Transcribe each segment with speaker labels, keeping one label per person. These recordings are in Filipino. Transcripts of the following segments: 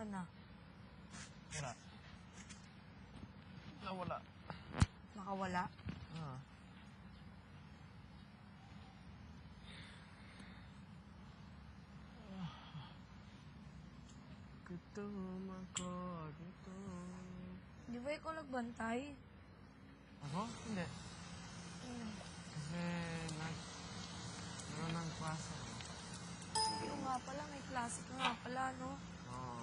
Speaker 1: Nasaan na?
Speaker 2: Wala. Nawala.
Speaker 1: Nakawala?
Speaker 2: Ah. Gutom ako, gutom.
Speaker 1: Di ba ikaw nagbantay?
Speaker 2: Ako? Hindi. Kasi meron ng klase ako.
Speaker 1: Yung nga pala, may klase ka nga pala, no?
Speaker 2: Oo.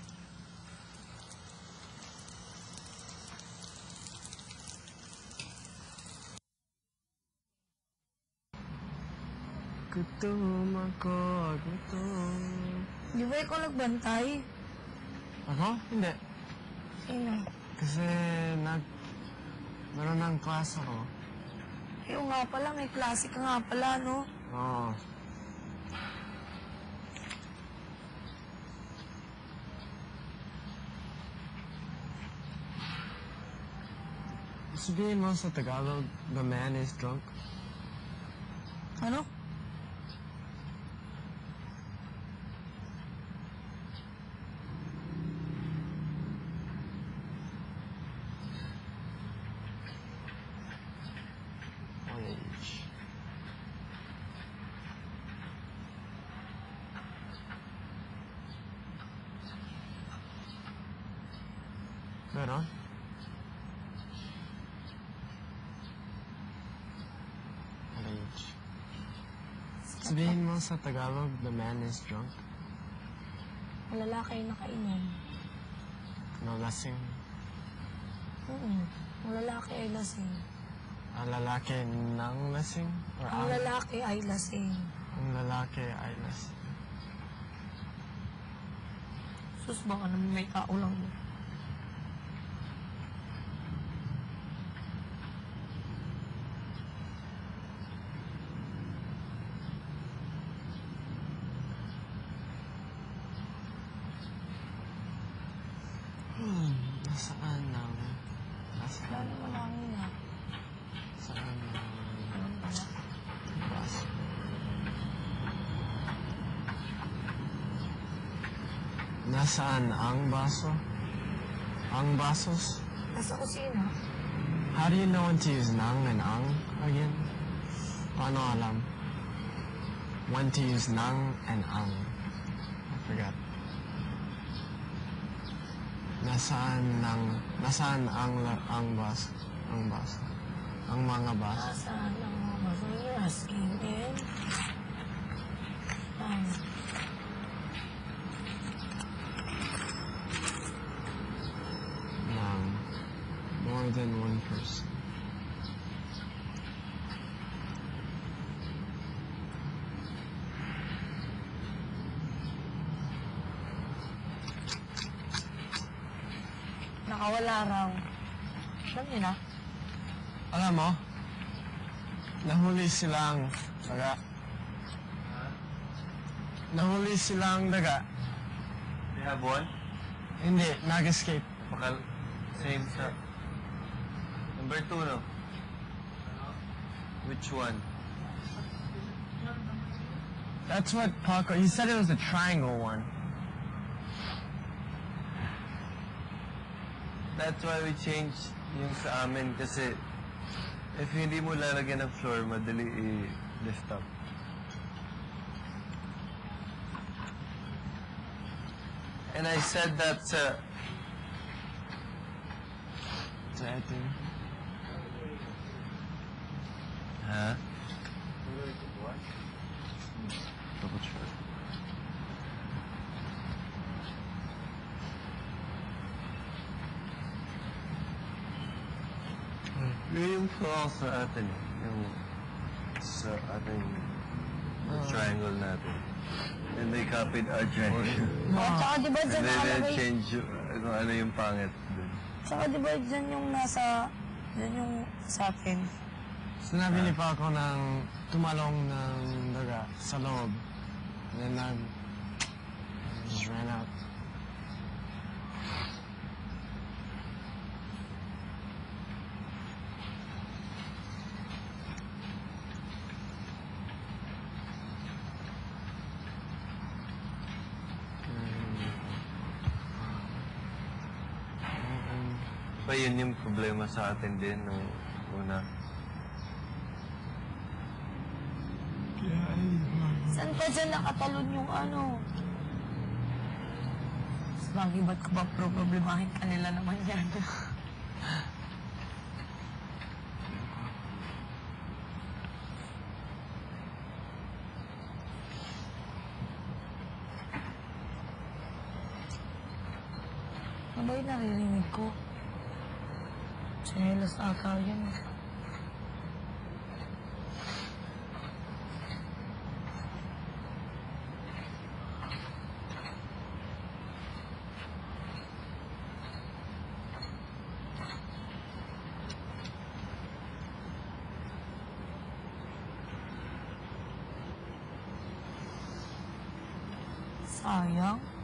Speaker 2: Gutom ako, gutom.
Speaker 1: Di ba ikaw nagbantay?
Speaker 2: Ako? Hindi.
Speaker 1: Sino?
Speaker 2: Kasi meron ng klase ako.
Speaker 1: Yung nga pala, may klase ka nga pala, no?
Speaker 2: Oo. Sabihin mo sa Tagalog, the man is drunk.
Speaker 1: Ano?
Speaker 2: Orange. Meron? Orange. Sabihin mo sa Tagalog, the man is drunk.
Speaker 1: Ang lalaki ay nakainom.
Speaker 2: No, lasing.
Speaker 1: Ang lalaki ay lasing.
Speaker 2: Ang lalaki ng lasing? Or
Speaker 1: Ang lalaki ay lasing.
Speaker 2: Ang lalaki ay lasing.
Speaker 1: Sus, baka naman may tao lang mo.
Speaker 2: Nasaan ang...
Speaker 1: Wala naman hangin na.
Speaker 2: Saan ang...
Speaker 1: Ano pala?
Speaker 2: baso? Nasaan ang baso? Ang basos?
Speaker 1: Nasa kusina.
Speaker 2: How do you know when to use nang and ang again? Paano alam? When to use nang and ang. I forgot. Nasaan ang baso? Ang baso. Ang mga baso.
Speaker 1: Nasaan ang mga baso? You're asking in.
Speaker 2: Ng more than one person.
Speaker 1: Nakawala raw. Alam niyo na?
Speaker 2: Alam mo, nahuli silang daga. Nahuli silang daga.
Speaker 3: They have one?
Speaker 2: Hindi, nag-escape.
Speaker 3: Same sa... Number 2, no? Which one?
Speaker 2: That's what Paco, he said it was a triangle one.
Speaker 3: That's why we changed yung sa amin kasi if hindi mo lalagyan ng floor, madali i-lift up. And I said that sa...
Speaker 2: So I think,
Speaker 3: Ha? Double check. Yung call sa atin, yung sa ating triangle natin. And they copied our triangle.
Speaker 1: Tsaka di ba
Speaker 3: And
Speaker 1: dyan
Speaker 3: then they
Speaker 1: nakalagay?
Speaker 3: change kung ano yung pangit dun.
Speaker 1: Tsaka di ba dyan yung nasa... Dyan yung sa atin.
Speaker 2: sinabi ni Paco ng tumalong ng daga sa loob. And then just ran out.
Speaker 3: ba yun yung problema sa atin din nung una?
Speaker 1: Saan pa dyan nakatalon yung ano? Bagay, ba't ka ba problemahin kanila naman yan? Ano ba yung naririnig ko? Chinelas ata yun. Sayang.